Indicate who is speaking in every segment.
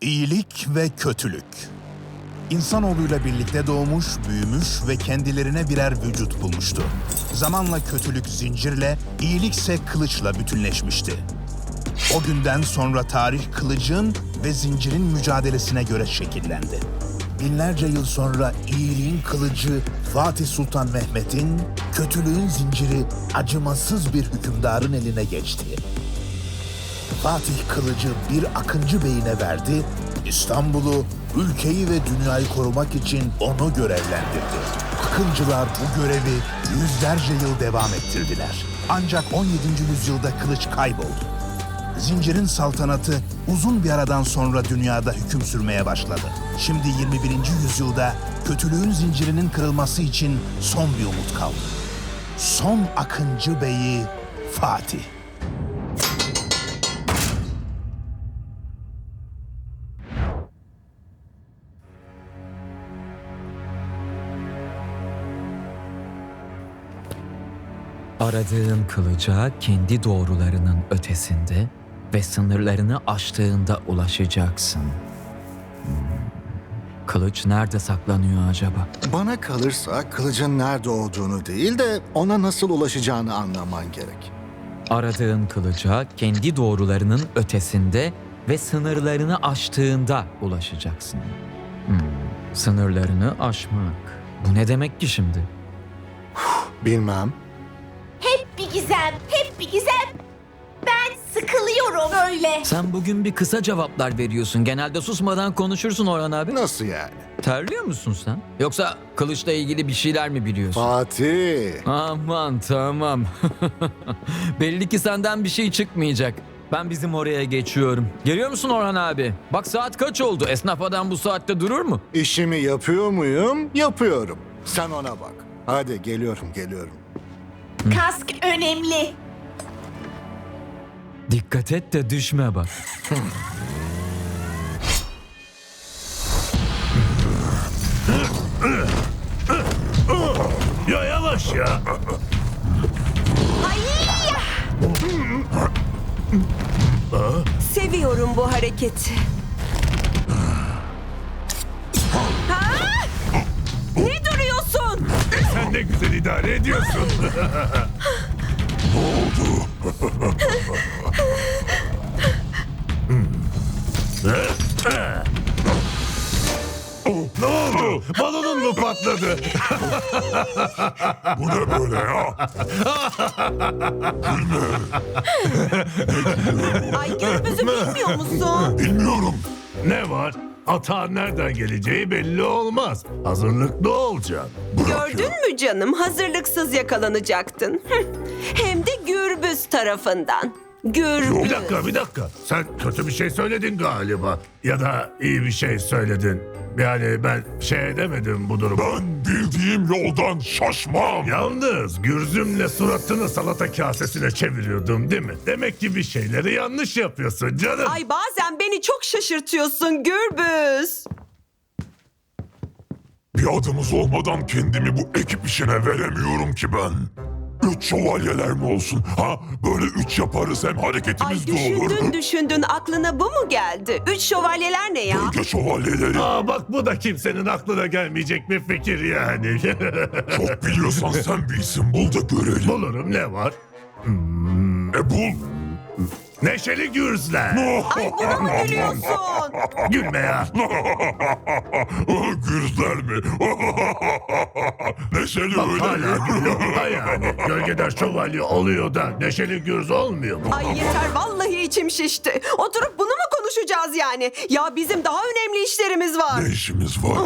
Speaker 1: İyilik ve kötülük. İnsanoğluyla birlikte doğmuş, büyümüş ve kendilerine birer vücut bulmuştu. Zamanla kötülük zincirle, iyilikse kılıçla bütünleşmişti. O günden sonra tarih kılıcın ve zincirin mücadelesine göre şekillendi. Binlerce yıl sonra iyiliğin kılıcı Fatih Sultan Mehmet'in, kötülüğün zinciri acımasız bir hükümdarın eline geçti. Fatih kılıcı bir Akıncı Bey'ine verdi, İstanbul'u, ülkeyi ve dünyayı korumak için onu görevlendirdi. Akıncılar bu görevi yüzlerce yıl devam ettirdiler. Ancak 17. yüzyılda kılıç kayboldu. Zincirin saltanatı uzun bir aradan sonra dünyada hüküm sürmeye başladı. Şimdi 21. yüzyılda kötülüğün zincirinin kırılması için son bir umut kaldı. Son Akıncı Bey'i Fatih.
Speaker 2: Aradığın kılıca kendi doğrularının ötesinde ve sınırlarını aştığında ulaşacaksın. Kılıç nerede saklanıyor acaba?
Speaker 3: Bana kalırsa kılıcın nerede olduğunu değil de ona nasıl ulaşacağını anlaman gerek.
Speaker 2: Aradığın kılıca kendi doğrularının ötesinde ve sınırlarını aştığında ulaşacaksın. Sınırlarını aşmak. Bu ne demek ki şimdi?
Speaker 3: Bilmem.
Speaker 4: Hep bir gizem, hep bir gizem. Ben sıkılıyorum böyle.
Speaker 2: Sen bugün bir kısa cevaplar veriyorsun. Genelde susmadan konuşursun Orhan abi.
Speaker 3: Nasıl yani?
Speaker 2: Terliyor musun sen? Yoksa kılıçla ilgili bir şeyler mi biliyorsun?
Speaker 3: Fatih.
Speaker 2: Aman tamam. Belli ki senden bir şey çıkmayacak. Ben bizim oraya geçiyorum. Geliyor musun Orhan abi? Bak saat kaç oldu? Esnaf adam bu saatte durur mu?
Speaker 3: İşimi yapıyor muyum? Yapıyorum. Sen ona bak. Hadi geliyorum.
Speaker 4: Kask önemli.
Speaker 2: Dikkat et de düşme bak.
Speaker 5: Ya yavaş ya.
Speaker 6: Seviyorum bu hareketi. Ha? Ne duruyorsun?
Speaker 5: Sen ne güzel idare ediyorsun. Ne oldu? Balonun mu patladı?
Speaker 7: Bu ne böyle ya?
Speaker 6: Ay Gürbüz'ü bilmiyor musun?
Speaker 7: Bilmiyorum.
Speaker 5: Ne var? Atağın nereden geleceği belli olmaz. Hazırlıklı olacaksın.
Speaker 6: Gördün mü canım? Hazırlıksız yakalanacaktın. Hem de Gürbüz tarafından. Gürbüz.
Speaker 5: Bir dakika. Sen kötü bir şey söyledin galiba. Ya da iyi bir şey söyledin. Yani ben şey edemedim bu durumu.
Speaker 7: Ben bildiğim yoldan şaşmam.
Speaker 5: Yalnız Gürzüm'le suratını salata kasesine çeviriyordum değil mi? Demek ki bir şeyleri yanlış yapıyorsun canım.
Speaker 6: Ay bazen beni çok şaşırtıyorsun Gürbüz.
Speaker 7: Bir adımız olmadan kendimi bu ekip işine veremiyorum ki ben. 3 şövalyeler mi olsun? Ha böyle 3 yaparız hem
Speaker 6: Ay
Speaker 7: hareketimiz de olur.
Speaker 6: düşündün aklına bu mu geldi? 3 şövalyeler ne ya?
Speaker 7: Gölge şövalyeleri.
Speaker 5: Aa bak bu da kimsenin aklına gelmeyecek bir fikir yani.
Speaker 7: Çok biliyorsan sen bir isim bul da görelim.
Speaker 5: Bulurum ne var?
Speaker 7: Bul.
Speaker 5: Neşeli Gürzler.
Speaker 6: Ay buna mı gülüyorsun?
Speaker 5: Gülme ya.
Speaker 7: Gürzler mi? Neşeli
Speaker 5: Bak
Speaker 7: öyle
Speaker 5: hala
Speaker 7: mi?
Speaker 5: gülüyor. Ha yani gölgeden şövalye oluyor da Neşeli Gürz olmuyor mu?
Speaker 6: Ay yeter vallahi içim şişti. Oturup bunu mu konuşacağız yani? Ya bizim daha önemli işlerimiz var.
Speaker 7: Ne işimiz var?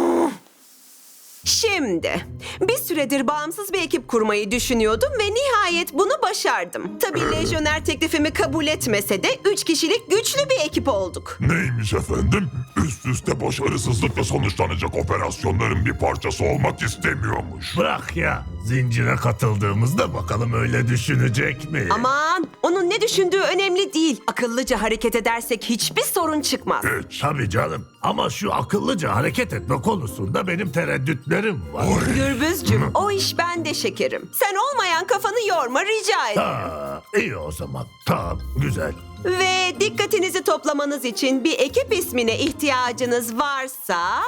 Speaker 6: Şimdi bir süredir bağımsız bir ekip kurmayı düşünüyordum ve nihayet bunu başardım. Tabii lejyoner teklifimi kabul etmese de 3 kişilik güçlü bir ekip olduk.
Speaker 7: Neymiş efendim? Üst üste başarısızlıkla sonuçlanacak operasyonların bir parçası olmak istemiyormuş.
Speaker 5: Bırak ya. Zincire katıldığımızda bakalım öyle düşünecek mi?
Speaker 6: Aman onun ne düşündüğü önemli değil. Akıllıca hareket edersek hiçbir sorun çıkmaz.
Speaker 7: Hiç.
Speaker 5: Tabii canım. Ama şu akıllıca hareket etme konusunda benim tereddütlerim var.
Speaker 6: Gürbüzcüm o iş bende şekerim. Sen olmayan kafanı yorma rica ederim.
Speaker 5: Ha, iyi o zaman. Tamam, güzel.
Speaker 6: Ve dikkatinizi toplamanız için bir ekip ismine ihtiyacınız varsa...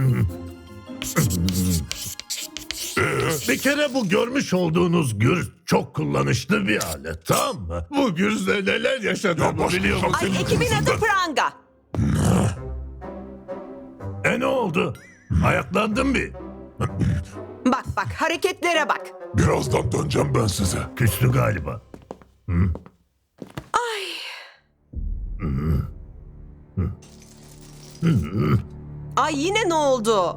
Speaker 5: Bir kere bu görmüş olduğunuz gürz çok kullanışlı bir alet, tamam mı? Bu gürzle neler yaşadığımı
Speaker 7: Ya
Speaker 5: biliyor musun?
Speaker 6: Ay, ekibin adı Pranga.
Speaker 5: Ne oldu? Ayaklandın bir.
Speaker 6: Bak bak, hareketlere bak.
Speaker 7: Birazdan döneceğim ben size.
Speaker 5: Küstü galiba.
Speaker 6: Ay, yine ne oldu?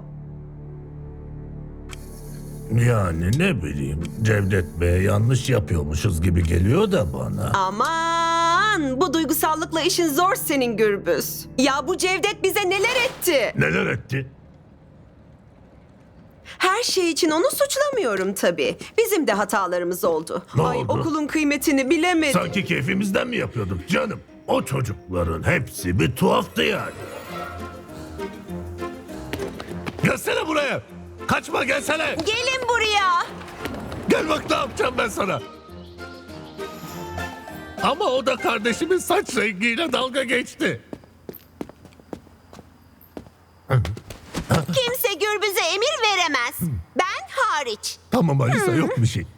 Speaker 5: Yani ne bileyim, Cevdet Bey yanlış yapıyormuşuz gibi geliyor da bana.
Speaker 6: Aman, bu duygusallıkla işin zor senin Gürbüz. Ya bu Cevdet bize neler etti?
Speaker 5: Neler etti?
Speaker 6: Her şey için onu suçlamıyorum tabii. Bizim de hatalarımız oldu.
Speaker 5: Ne
Speaker 6: Ay,
Speaker 5: oldu?
Speaker 6: okulun kıymetini bilemedik.
Speaker 5: Sanki keyfimizden mi yapıyorduk canım? O çocukların hepsi bir tuhaftı yani. Gelsene buraya. Kaçma, gelsene.
Speaker 6: Gelin buraya.
Speaker 5: Gel bak ne yapacağım ben sana. Ama o da kardeşimin saç rengiyle dalga geçti.
Speaker 4: Kimse Gürbüz'e emir veremez. Ben hariç.
Speaker 5: Tamam Alisa, yok bir şey.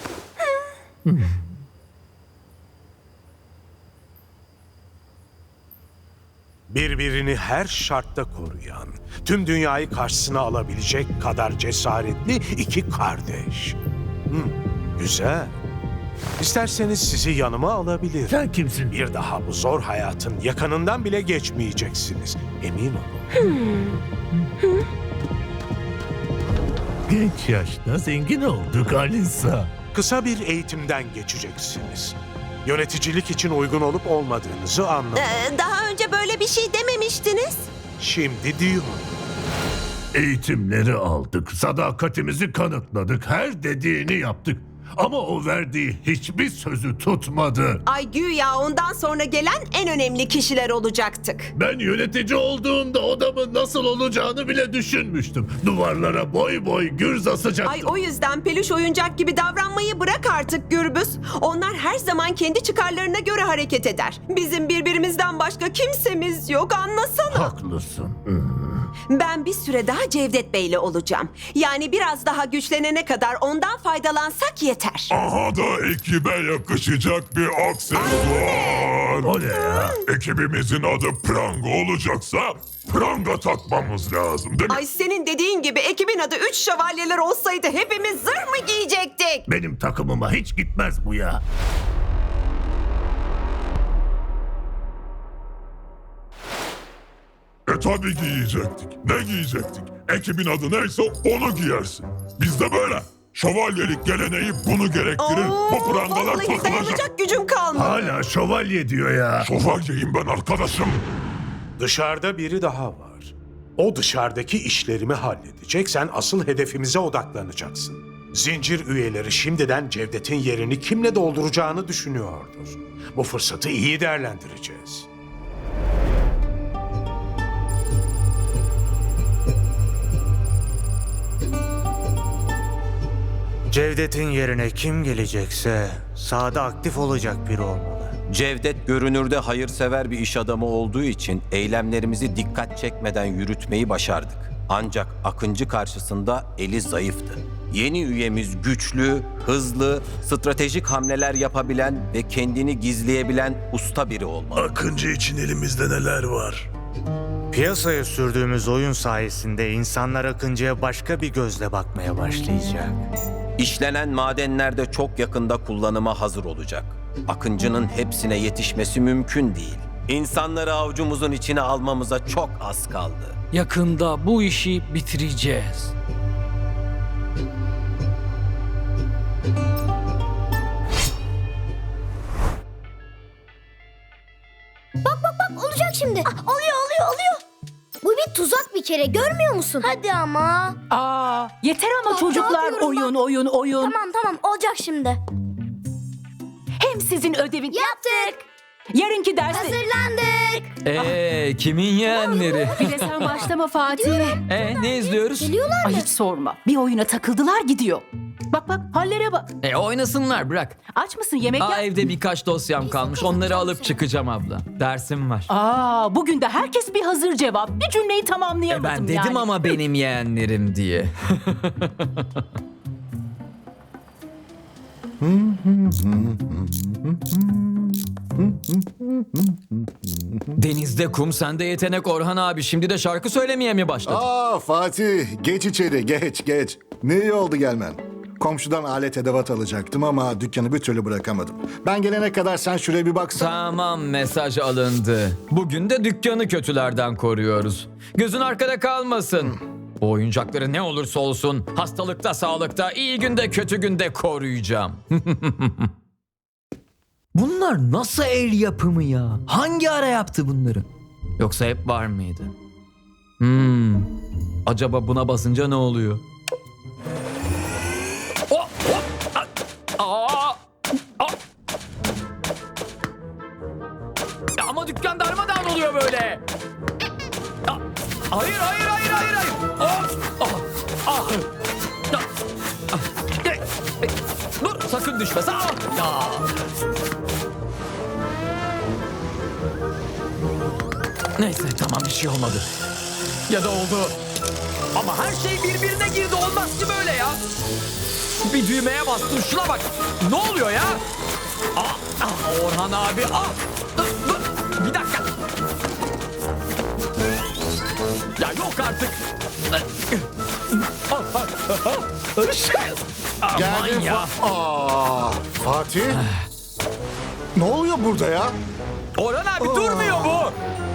Speaker 8: Birbirini her şartta koruyan, tüm dünyayı karşısına alabilecek kadar cesaretli iki kardeş. Güzel. İsterseniz sizi yanıma alabilirim.
Speaker 5: Sen kimsin?
Speaker 8: Bir daha bu zor hayatın yakınından bile geçmeyeceksiniz. Emin olun.
Speaker 5: Genç yaşta zengin olduk Alisa.
Speaker 8: Kısa bir eğitimden geçeceksiniz. Yöneticilik için uygun olup olmadığınızı anlamak.
Speaker 6: Daha önce böyle bir şey dememiştiniz.
Speaker 8: Şimdi diyorum.
Speaker 5: Eğitimleri aldık, sadakatimizi kanıtladık, her dediğini yaptık. Ama o verdiği hiçbir sözü tutmadı.
Speaker 6: Ay, güya ondan sonra gelen en önemli kişiler olacaktık.
Speaker 5: Ben yönetici olduğumda odamın nasıl olacağını bile düşünmüştüm. Duvarlara boy boy gürz asacaktım.
Speaker 6: Ay, o yüzden peluş oyuncak gibi davranmayı bırak artık Gürbüz. Onlar her zaman kendi çıkarlarına göre hareket eder. Bizim birbirimizden başka kimsemiz yok, anlasana.
Speaker 5: Haklısın.
Speaker 6: Ben bir süre daha Cevdet Bey'le olacağım. Yani biraz daha güçlenene kadar ondan faydalansak yeter.
Speaker 7: Aha da ekibe yakışacak bir aksesuar.
Speaker 5: O ne ya?
Speaker 7: Ekibimizin adı Pranga olacaksa pranga takmamız lazım değil mi?
Speaker 6: Ay, senin dediğin gibi ekibin adı 3 şövalyeler olsaydı hepimiz zırh mı giyecektik?
Speaker 5: Benim takımıma hiç gitmez bu ya.
Speaker 7: Tabii giyecektik. Ne giyecektik? Ekibin adı neyse onu giyersin. Bizde böyle. Şövalyelik geleneği bunu gerektirir. Bu prangalar
Speaker 6: vallahi
Speaker 7: takılacak.
Speaker 6: dayanacak gücüm kalmadı.
Speaker 5: Hala şövalye diyor ya.
Speaker 7: Şövalyeyim ben arkadaşım.
Speaker 8: Dışarıda biri daha var. O dışarıdaki işlerimi halledecek, sen asıl hedefimize odaklanacaksın. Zincir üyeleri şimdiden Cevdet'in yerini kimle dolduracağını düşünüyordur. Bu fırsatı iyi değerlendireceğiz.
Speaker 9: Cevdet'in yerine kim gelecekse sahada aktif olacak biri olmalı.
Speaker 10: Cevdet görünürde hayırsever bir iş adamı olduğu için eylemlerimizi dikkat çekmeden yürütmeyi başardık. Ancak Akıncı karşısında eli zayıftı. Yeni üyemiz güçlü, hızlı, stratejik hamleler yapabilen ve kendini gizleyebilen usta biri olmalı.
Speaker 5: Akıncı için elimizde neler var?
Speaker 9: Piyasaya sürdüğümüz oyun sayesinde insanlar Akıncı'ya başka bir gözle bakmaya başlayacak.
Speaker 10: İşlenen madenler de çok yakında kullanıma hazır olacak. Akıncı'nın hepsine yetişmesi mümkün değil. İnsanları avucumuzun içine almamıza çok az kaldı.
Speaker 2: Yakında bu işi bitireceğiz.
Speaker 11: Olacak şimdi. Oluyor. Bu bir tuzak bir kere, görmüyor musun? Hadi ama.
Speaker 12: Yeter ama çocuklar,
Speaker 11: yapıyorum
Speaker 12: oyun.
Speaker 11: Tamam olacak şimdi.
Speaker 12: Hem sizin ödevin...
Speaker 11: Yaptık.
Speaker 12: Yarınki dersi...
Speaker 11: Hazırlandık.
Speaker 2: Kimin yeğenleri?
Speaker 12: Bir de sen başlama Fatih.
Speaker 2: Ne izliyoruz?
Speaker 11: Geliyorlar
Speaker 12: Ay
Speaker 11: mı?
Speaker 12: hiç sorma. Bir oyuna takıldılar gidiyor. Bak bak hallere bak.
Speaker 2: Oynasınlar bırak.
Speaker 12: Aç mısın yemek
Speaker 2: Aa,
Speaker 12: yap?
Speaker 2: evde birkaç dosyam kalmış. Onları alıp çıkacağım abla. Dersim var.
Speaker 12: Bugün de herkes bir hazır cevap. Bir cümleyi tamamlayamadım
Speaker 2: Ben dedim
Speaker 12: yani.
Speaker 2: ama benim yeğenlerim diye. Denizde kum, sende yetenek Orhan abi. Şimdi de şarkı söylemeye mi başladın?
Speaker 3: Fatih, geç içeri, geç. Ne iyi oldu gelmen. Komşudan alet edevat alacaktım ama dükkanı bir türlü bırakamadım. Ben gelene kadar sen şuraya bir baksana.
Speaker 2: Tamam, mesaj alındı. Bugün de dükkanı kötülerden koruyoruz. Gözün arkada kalmasın. O oyuncakları ne olursa olsun hastalıkta, sağlıkta, iyi günde, kötü günde koruyacağım. Bunlar nasıl el yapımı ya? Hangi ara yaptı bunları? Yoksa hep var mıydı? Acaba buna basınca ne oluyor? Oh, oh, aa, aa. Ya ama dükkan darmadağın oluyor böyle. Ya, hayır. Oh, oh, ah. Ya, ah. Dur, sakın düşme. Ya. Neyse, tamam, bir şey olmadı. Ya da oldu. Ama her şey birbirine girdi. Olmaz ki böyle ya. Bir düğmeye bastın, şuna bak. Ne oluyor ya? Orhan abi. Dur. Bir dakika. Ya yok artık. Aman
Speaker 3: Geldin
Speaker 2: ya.
Speaker 3: Fatih. Ne oluyor burada ya?
Speaker 2: Orhan abi durmuyor bu.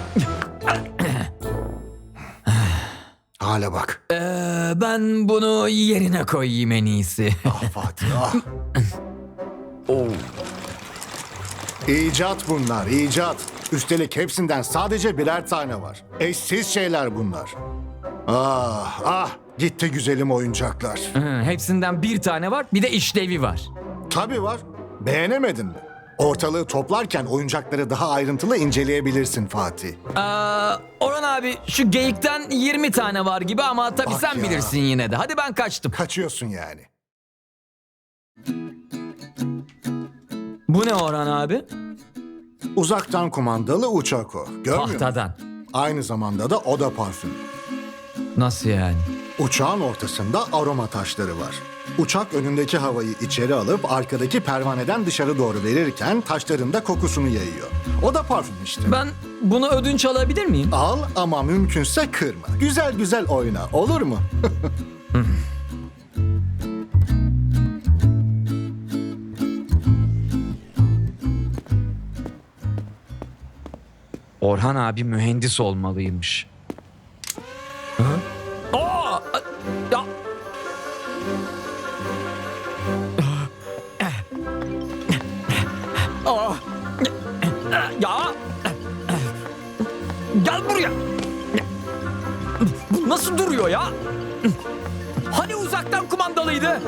Speaker 3: Hala bak.
Speaker 2: Ben bunu yerine koyayım en iyisi.
Speaker 3: Fatih. İcat bunlar, icat. Üstelik hepsinden sadece birer tane var. Eşsiz şeyler bunlar. Gitti güzelim oyuncaklar.
Speaker 2: Hepsinden bir tane var, bir de işlevi var.
Speaker 3: Tabii var. Beğenemedin mi? Ortalığı toplarken oyuncakları daha ayrıntılı inceleyebilirsin Fatih.
Speaker 2: Orhan abi, şu geyikten 20 tane var gibi ama tabii
Speaker 3: Bak
Speaker 2: sen
Speaker 3: ya.
Speaker 2: bilirsin yine de. Hadi ben kaçtım.
Speaker 3: Kaçıyorsun yani.
Speaker 2: Bu ne Orhan abi?
Speaker 3: Uzaktan kumandalı uçak o. Görmüyor musun?
Speaker 2: Tahtadan.
Speaker 3: Aynı zamanda da oda parfüm.
Speaker 2: Nasıl yani?
Speaker 3: Uçağın ortasında aroma taşları var. Uçak önündeki havayı içeri alıp arkadaki pervaneden dışarı doğru verirken taşların da kokusunu yayıyor. O da parfüm işte.
Speaker 2: Ben bunu ödünç alabilir miyim?
Speaker 3: Al ama mümkünse kırma. Güzel güzel oyna, olur mu?
Speaker 2: Orhan abi mühendis olmalıymış. Ya. Ya. Gel buraya. Bu nasıl duruyor ya? Hani uzaktan kumandalıydı?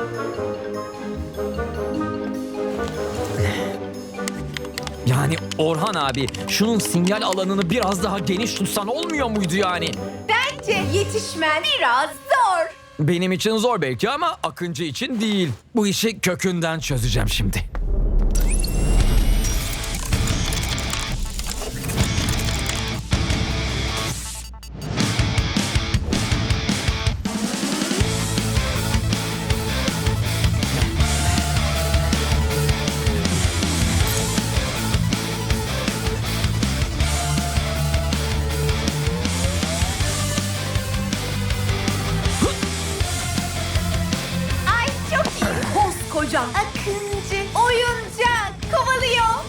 Speaker 2: Yani Orhan abi, şunun sinyal alanını biraz daha geniş tutsan olmuyor muydu yani?
Speaker 4: Bence yetişmen biraz zor.
Speaker 2: Benim için zor belki ama Akıncı için değil. Bu işi kökünden çözeceğim şimdi.
Speaker 4: Ay çok iyi. Koskoca Akıncı oyuncak kovalıyor.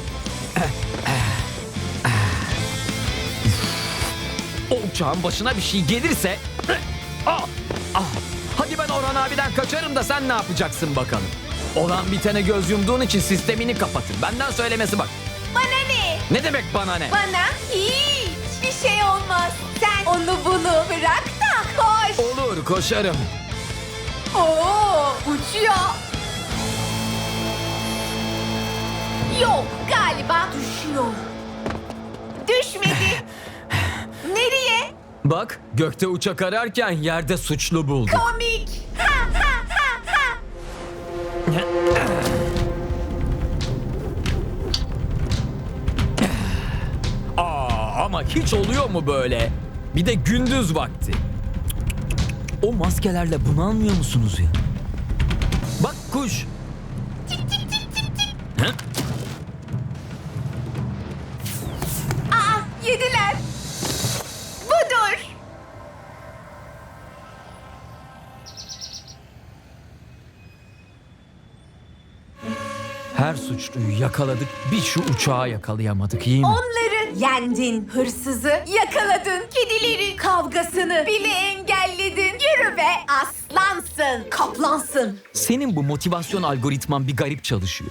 Speaker 2: O uçağın başına bir şey gelirse... Hadi ben Orhan abiden kaçarım da sen ne yapacaksın bakalım. Olan bitene göz yumduğun için sistemini kapatın. Benden söylemesi bak.
Speaker 4: Bana ne?
Speaker 2: Ne demek bana ne?
Speaker 4: Bana hiçbir şey olmaz. Sen onu bunu bırak da koş.
Speaker 2: Olur, koşarım.
Speaker 4: Uçuyor. Yok galiba düşüyor. Düşmedi. Nereye?
Speaker 2: Bak, gökte uçak ararken yerde suçlu bulduk.
Speaker 4: Komik. Ha ha ha ha.
Speaker 2: hiç oluyor mu böyle? Bir de gündüz vakti. O maskelerle bunalmıyor musunuz ya? Bak kuş. Hı?
Speaker 4: Aa, yediler. Budur.
Speaker 2: Her suçluyu yakaladık, bir şu uçağı yakalayamadık, iyi mi?
Speaker 4: Onları yendin. Hırsızı yakaladın. Kedilerin kavgasını bile engelledin. Yürü be, aslansın, kaplansın.
Speaker 2: Senin bu motivasyon algoritman bir garip çalışıyor.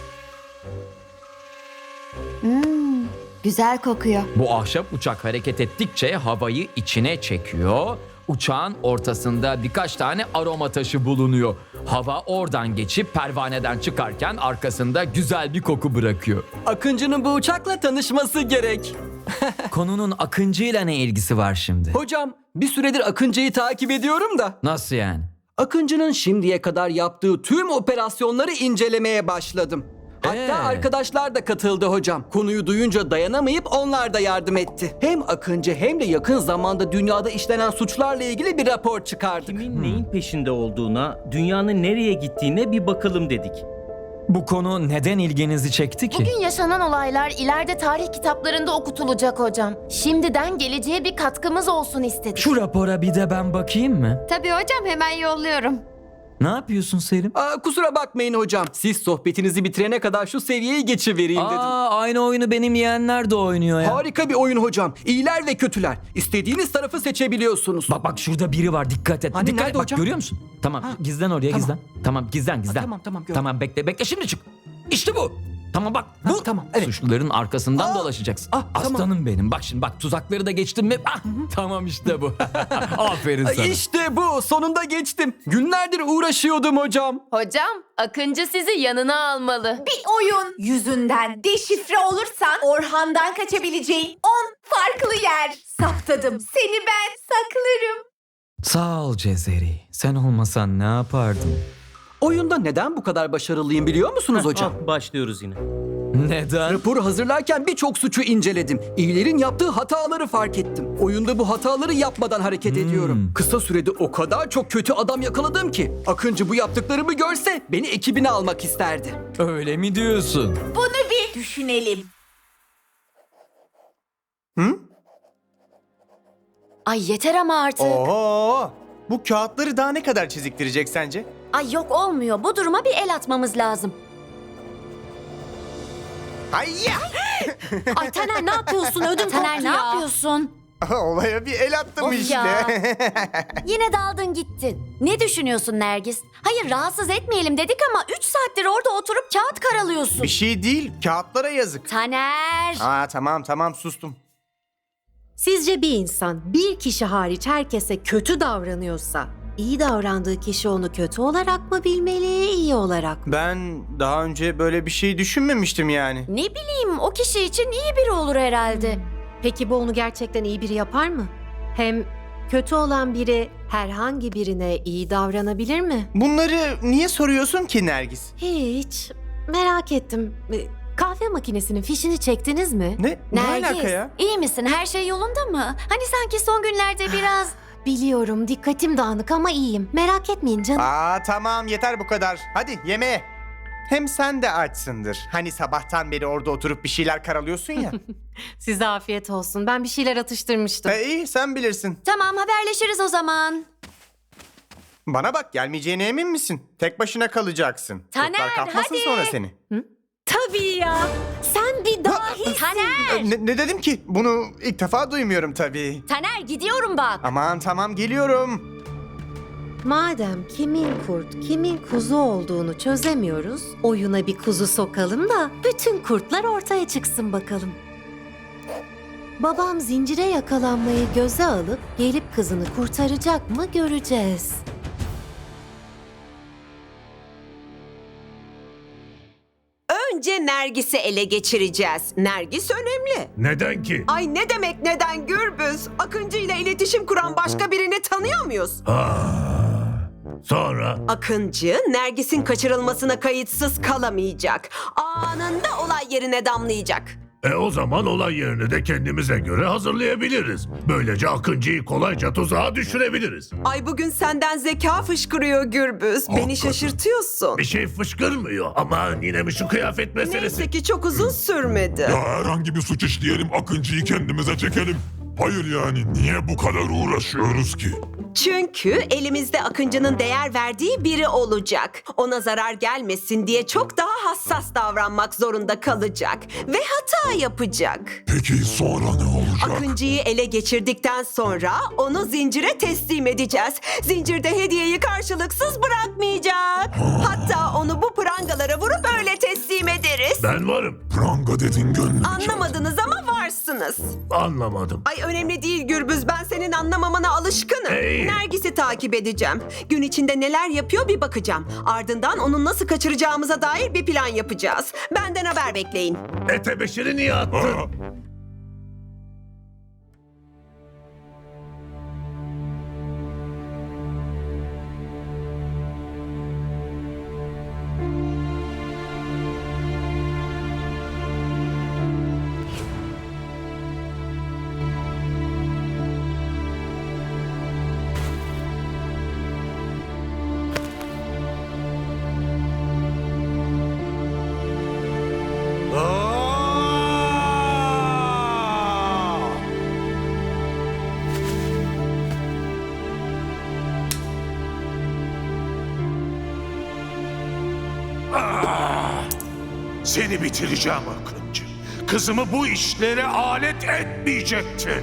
Speaker 11: Güzel kokuyor.
Speaker 2: Bu ahşap uçak hareket ettikçe havayı içine çekiyor. Uçağın ortasında birkaç tane aroma taşı bulunuyor. Hava oradan geçip pervaneden çıkarken arkasında güzel bir koku bırakıyor.
Speaker 13: Akıncı'nın bu uçakla tanışması gerek.
Speaker 2: Konunun Akıncı'yla ne ilgisi var şimdi?
Speaker 13: Hocam, bir süredir Akıncı'yı takip ediyorum da.
Speaker 2: Nasıl yani?
Speaker 13: Akıncı'nın şimdiye kadar yaptığı tüm operasyonları incelemeye başladım. Hatta arkadaşlar da katıldı hocam. Konuyu duyunca dayanamayıp onlar da yardım etti. Hem Akıncı hem de yakın zamanda dünyada işlenen suçlarla ilgili bir rapor çıkardık.
Speaker 14: Kimin neyin peşinde olduğuna, dünyanın nereye gittiğine bir bakalım dedik.
Speaker 2: Bu konu neden ilginizi çekti ki?
Speaker 15: Bugün yaşanan olaylar ileride tarih kitaplarında okutulacak hocam. Şimdiden geleceğe bir katkımız olsun istedik.
Speaker 2: Şu rapora bir de ben bakayım mı?
Speaker 15: Tabii hocam, hemen yolluyorum.
Speaker 2: Ne yapıyorsun Selim?
Speaker 13: Kusura bakmayın hocam. Siz sohbetinizi bitirene kadar şu seviyeyi geçivereyim dedim.
Speaker 2: Aynı oyunu benim yeğenler de oynuyor ya.
Speaker 13: Harika bir oyun hocam. İyiler ve kötüler. İstediğiniz tarafı seçebiliyorsunuz.
Speaker 2: Bak şurada biri var, dikkat et.
Speaker 13: Hani
Speaker 2: Dikkat
Speaker 13: nerede
Speaker 2: et, bak
Speaker 13: hocam?
Speaker 2: görüyor musun? Tamam, gizlen oraya,
Speaker 13: Tamam.
Speaker 2: gizlen. Tamam, gizlen.
Speaker 13: Tamam, gördüm.
Speaker 2: Tamam, bekle şimdi çık. İşte bu. Tamam bak bu.
Speaker 13: Tamam, evet.
Speaker 2: Suçluların arkasından dolaşacaksın. Aslanım
Speaker 13: tamam.
Speaker 2: benim. Bak şimdi tuzakları da geçtim mi? Tamam işte bu. Aferin sana.
Speaker 13: İşte bu. Sonunda geçtim. Günlerdir uğraşıyordum hocam.
Speaker 15: Hocam, Akıncı sizi yanına almalı.
Speaker 4: Bir oyun yüzünden deşifre olursan Orhan'dan kaçabileceğin 10 farklı yer saptadım. Seni ben saklarım.
Speaker 2: Sağ ol Cezeri. Sen olmasan ne yapardım?
Speaker 13: Oyunda neden bu kadar başarılıyım biliyor musunuz hocam?
Speaker 14: Başlıyoruz yine.
Speaker 2: Neden?
Speaker 13: Raporu hazırlarken birçok suçu inceledim. İyilerin yaptığı hataları fark ettim. Oyunda bu hataları yapmadan hareket ediyorum. Kısa sürede o kadar çok kötü adam yakaladım ki. Akıncı bu yaptıklarımı görse beni ekibine almak isterdi.
Speaker 2: Öyle mi diyorsun?
Speaker 4: Bunu bir düşünelim.
Speaker 15: Ay yeter ama artık.
Speaker 16: Oo, bu kağıtları daha ne kadar çiziktirecek sence?
Speaker 15: Ay yok, olmuyor. Bu duruma bir el atmamız lazım.
Speaker 16: Hayya!
Speaker 15: Ay Taner, ne yapıyorsun? Ödüm Taner, ne yapıyorsun?
Speaker 16: Olaya bir el attım
Speaker 15: Of
Speaker 16: işte.
Speaker 15: ya. Yine daldın gittin. Ne düşünüyorsun Nergis? Hayır, rahatsız etmeyelim dedik ama 3 saattir orada oturup kağıt karalıyorsun.
Speaker 16: Bir şey değil, kağıtlara yazık.
Speaker 15: Taner.
Speaker 16: Tamam sustum.
Speaker 6: Sizce bir insan bir kişi hariç herkese kötü davranıyorsa iyi davrandığı kişi onu kötü olarak mı bilmeli, iyi olarak mı?
Speaker 16: Ben daha önce böyle bir şey düşünmemiştim yani.
Speaker 15: Ne bileyim, o kişi için iyi biri olur herhalde.
Speaker 6: Peki bu onu gerçekten iyi biri yapar mı? Hem kötü olan biri herhangi birine iyi davranabilir mi?
Speaker 16: Bunları niye soruyorsun ki Nergis?
Speaker 6: Hiç. Merak ettim. Kahve makinesinin fişini çektiniz mi?
Speaker 16: Ne alaka ya?
Speaker 15: İyi misin? Her şey yolunda mı? Hani sanki son günlerde biraz...
Speaker 6: Biliyorum, dikkatim dağınık ama iyiyim. Merak etmeyin canım.
Speaker 16: Tamam yeter bu kadar. Hadi yemeğe. Hem sen de açsındır. Hani sabahtan beri orada oturup bir şeyler karalıyorsun ya.
Speaker 6: Size afiyet olsun. Ben bir şeyler atıştırmıştım.
Speaker 16: İyi sen bilirsin.
Speaker 15: Tamam, haberleşiriz o zaman.
Speaker 16: Bana bak, gelmeyeceğine emin misin? Tek başına kalacaksın.
Speaker 15: Taner,
Speaker 16: Kurtlar kapmasın
Speaker 15: hadi.
Speaker 16: sonra seni.
Speaker 6: Tabii ya. Sen bir dahisin.
Speaker 15: Taner!
Speaker 16: Ne dedim ki? Bunu ilk defa duymuyorum tabii.
Speaker 15: Taner, gidiyorum bak.
Speaker 16: Aman tamam geliyorum.
Speaker 6: Madem kimin kurt, kimin kuzu olduğunu çözemiyoruz, oyuna bir kuzu sokalım da bütün kurtlar ortaya çıksın bakalım. Babam zincire yakalanmayı göze alıp gelip kızını kurtaracak mı göreceğiz. Önce Nergis'i ele geçireceğiz. Nergis önemli.
Speaker 5: Neden ki?
Speaker 6: Ay ne demek neden Gürbüz? Akıncı ile iletişim kuran başka birini tanıyor muyuz?
Speaker 5: Sonra?
Speaker 6: Akıncı, Nergis'in kaçırılmasına kayıtsız kalamayacak. Anında olay yerine damlayacak.
Speaker 5: O zaman olay yerini de kendimize göre hazırlayabiliriz. Böylece Akıncı'yı kolayca tuzağa düşürebiliriz.
Speaker 6: Ay bugün senden zeka fışkırıyor Gürbüz. Beni şaşırtıyorsun.
Speaker 5: Bir şey fışkırmıyor ama yine mi şu kıyafet meselesi?
Speaker 6: Neyse ki çok uzun sürmedi.
Speaker 7: Ya herhangi bir suç işleyelim, Akıncı'yı kendimize çekelim. Hayır yani niye bu kadar uğraşıyoruz ki?
Speaker 6: Çünkü elimizde Akıncı'nın değer verdiği biri olacak. Ona zarar gelmesin diye çok daha hassas davranmak zorunda kalacak. Ve hata yapacak.
Speaker 7: Peki sonra ne olacak?
Speaker 6: Akıncı'yı ele geçirdikten sonra onu zincire teslim edeceğiz. Zincirde hediyeyi karşılıksız bırakmayacak. Hatta onu bu prangalara vurup öyle teslim ederiz.
Speaker 5: Ben varım.
Speaker 7: Pranga dedin gönlüm.
Speaker 6: Anlamadınız ama varsınız.
Speaker 5: Anlamadım.
Speaker 6: Ay önemli değil Gürbüz, ben senin anlamamana alışkınım. Nergis'i takip edeceğim. Gün içinde neler yapıyor bir bakacağım. Ardından onu nasıl kaçıracağımıza dair bir plan yapacağız. Benden haber bekleyin.
Speaker 5: Tebeşiri niye attın?
Speaker 8: Seni bitireceğim Akıncı. Kızımı bu işlere alet etmeyecektin.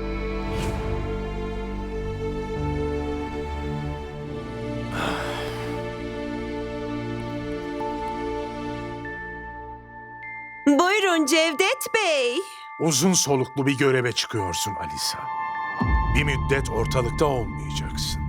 Speaker 6: Buyurun Cevdet Bey.
Speaker 8: Uzun soluklu bir göreve çıkıyorsun Alisa. Bir müddet ortalıkta olmayacaksın.